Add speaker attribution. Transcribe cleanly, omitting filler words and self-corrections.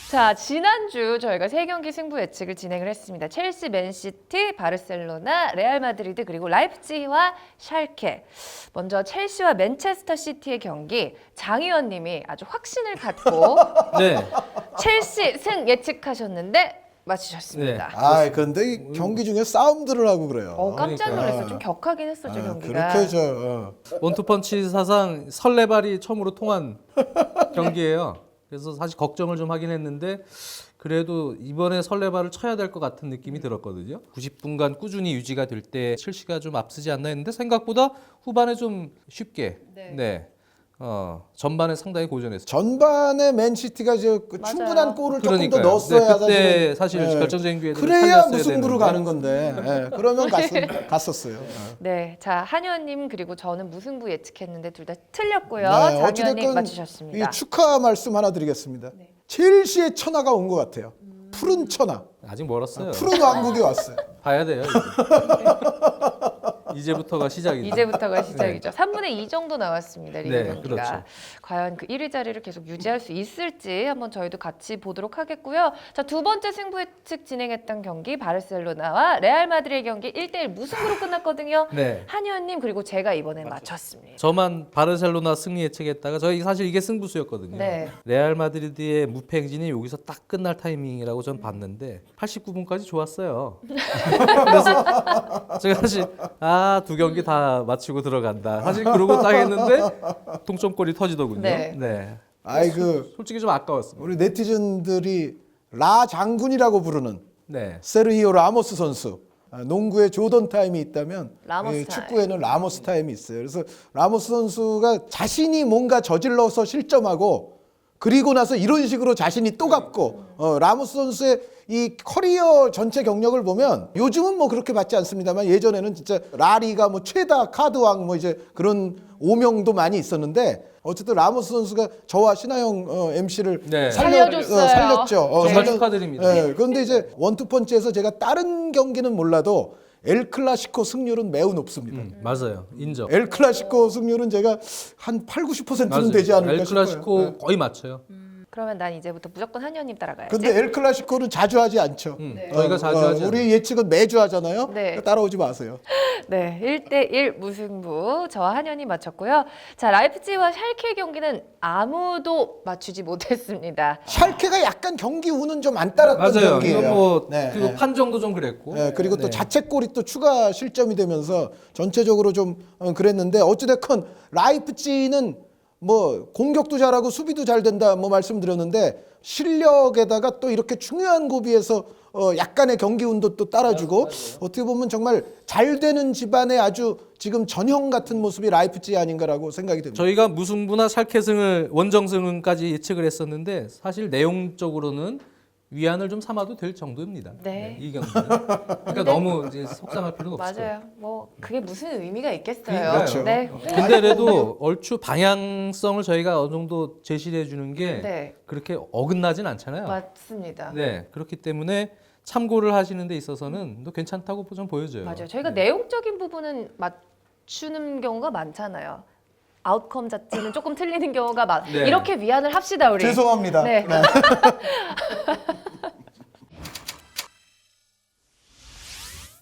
Speaker 1: 자, 지난주 저희가 세 경기 승부 예측을 진행을 했습니다. 첼시, 맨시티, 바르셀로나, 레알 마드리드 그리고 라이프치히와 샬케. 먼저 첼시와 맨체스터 시티의 경기 장 의원님이 아주 확신을 갖고
Speaker 2: 네.
Speaker 1: 첼시 승 예측하셨는데 맞추셨습니다.
Speaker 3: 아, 그런데 이 경기 중에 싸움들을 하고 그래요.
Speaker 1: 깜짝 놀랐어요.
Speaker 3: 그러니까.
Speaker 1: 좀 격하긴 했었죠, 경기가.
Speaker 3: 그렇게 저
Speaker 2: 원투펀치 사상 설레발이 처음으로 통한 경기예요. 그래서 사실 걱정을 좀 하긴 했는데 그래도 이번에 설레발을 쳐야 될 것 같은 느낌이 들었거든요. 90분간 꾸준히 유지가 될 때 첼시가 좀 앞서지 않나 했는데 생각보다 후반에 좀 쉽게 전반에 상당히 고전했어요.
Speaker 3: 전반에 맨시티가 그
Speaker 1: 맞아요.
Speaker 3: 충분한 골을 조금 더
Speaker 2: 그러니까요.
Speaker 3: 넣었어야
Speaker 2: 그때 사실
Speaker 3: 예.
Speaker 2: 결정적인 기회를
Speaker 3: 그래야
Speaker 2: 살렸어야
Speaker 3: 무승부로
Speaker 2: 되는데.
Speaker 3: 가는 건데 예. 그러면 갔었어요.
Speaker 1: 네, 자 한의원님 그리고 저는 무승부 예측했는데 둘 다 틀렸고요.
Speaker 3: 네,
Speaker 1: 장 의원님 맞추셨습니다.
Speaker 3: 이 축하 말씀 하나 드리겠습니다.
Speaker 1: 네.
Speaker 3: 첼시의 천하가 온 것 같아요. 푸른 천하,
Speaker 2: 아직 멀었어요.
Speaker 3: 푸른 왕국이 왔어요.
Speaker 2: 봐야 돼요. 이제부터가 시작이죠.
Speaker 1: 이제부터가 시작이죠. 3분의 2 정도 나왔습니다. 리그
Speaker 2: 네,
Speaker 1: 경기가.
Speaker 2: 그렇죠.
Speaker 1: 과연 그 1위 자리를 계속 유지할 수 있을지 한번 저희도 같이 보도록 하겠고요. 자, 두 번째 승부 예측 진행했던 경기 바르셀로나와 레알 마드리드의 경기 1대1 무승부로 끝났거든요.
Speaker 2: 네.
Speaker 1: 한의원님 그리고 제가 이번엔 맞췄습니다.
Speaker 2: 저만 바르셀로나 승리 예측했다가 저희 사실 이게 승부수였거든요.
Speaker 1: 네.
Speaker 2: 레알 마드리드의 무패 행진이 여기서 딱 끝날 타이밍이라고 전 봤는데 89분까지 좋았어요. 그래서 제가 사실 두 경기 다 마치고 들어간다. 사실 그러고 딱 했는데 동점골이 터지더군요.
Speaker 1: 네.
Speaker 3: 아이 그
Speaker 2: 솔직히 좀 아까웠습니다.
Speaker 3: 우리 네티즌들이 라 장군이라고 부르는
Speaker 2: 네.
Speaker 3: 세르히오 라모스 선수. 농구에 조던 타임이 있다면
Speaker 1: 라모스
Speaker 3: 이
Speaker 1: 타임.
Speaker 3: 축구에는 라모스 타임이 있어요. 그래서 라모스 선수가 자신이 뭔가 저질러서 실점하고 그리고 나서 이런 식으로 자신이 또 갚고 라모스 선수의 이 커리어 전체 경력을 보면 요즘은 뭐 그렇게 받지 않습니다만 예전에는 진짜 라리가 뭐 최다 카드왕 뭐 이제 그런 오명도 많이 있었는데 어쨌든 라모스 선수가 저와 신하영 MC를
Speaker 2: 네.
Speaker 1: 살려줬어요.
Speaker 3: 살렸죠.
Speaker 2: 정말 축하드립니다.
Speaker 3: 네, 그런데 이제 원투펀치에서 제가 다른 경기는 몰라도 엘 클라시코 승률은 매우 높습니다.
Speaker 2: 맞아요. 인정.
Speaker 3: 엘 클라시코 승률은 제가 한 8, 90%는
Speaker 2: 맞아요.
Speaker 3: 되지 않을까
Speaker 2: 엘 클라시코
Speaker 3: 싶어요. 네.
Speaker 2: 거의 맞춰요.
Speaker 1: 그러면 난 이제부터 무조건 한의원님 따라가야지.
Speaker 3: 근데 엘 클라시코는 자주 하지 않죠.
Speaker 2: 저희가 자주 하지
Speaker 3: 우리 예측은 매주 하잖아요.
Speaker 1: 네.
Speaker 3: 따라오지 마세요.
Speaker 1: 네, 1대1 무승부 저와 한현이 맞췄고요. 자, 라이프치히와 샬케 경기는 아무도 맞추지 못했습니다.
Speaker 3: 샬케가 약간 경기 운은 좀 안 따랐던
Speaker 2: 맞아요.
Speaker 3: 경기예요.
Speaker 2: 이건 뭐
Speaker 3: 네,
Speaker 2: 그리고
Speaker 3: 네.
Speaker 2: 판정도 좀 그랬고.
Speaker 3: 네, 그리고 또
Speaker 2: 네.
Speaker 3: 자책골이 또 추가 실점이 되면서 전체적으로 좀 그랬는데 어찌됐건 라이프치히는 뭐 공격도 잘하고 수비도 잘 된다 뭐 말씀드렸는데 실력에다가 또 이렇게 중요한 고비에서 약간의 경기 운도 또 따라주고 어떻게 보면 정말 잘 되는 집안의 아주 지금 전형 같은 모습이 라이프치히 아닌가라고 생각이 듭니다.
Speaker 2: 저희가 무승부나 샬케승을 원정승까지 예측을 했었는데 사실 내용적으로는 위안을 좀 삼아도 될 정도입니다.
Speaker 1: 네.
Speaker 2: 이 경기는. 그러니까 너무 이제 속상할 필요는 없을 거예요.
Speaker 1: 맞아요. 뭐 그게 무슨 의미가 있겠어요.
Speaker 2: 그러니까요.
Speaker 1: 네.
Speaker 2: 근데 그래도 얼추 방향성을 저희가 어느 정도 제시를 해주는 게
Speaker 1: 네.
Speaker 2: 그렇게 어긋나진 않잖아요.
Speaker 1: 맞습니다.
Speaker 2: 네, 그렇기 때문에 참고를 하시는 데 있어서는 또 괜찮다고 좀 보여져요.
Speaker 1: 맞아요. 저희가 내용적인 부분은 맞추는 경우가 많잖아요. 아웃컴 자체는 조금 틀리는 경우가
Speaker 2: 네.
Speaker 1: 이렇게 위안을 합시다 우리.
Speaker 3: 죄송합니다.
Speaker 1: 네.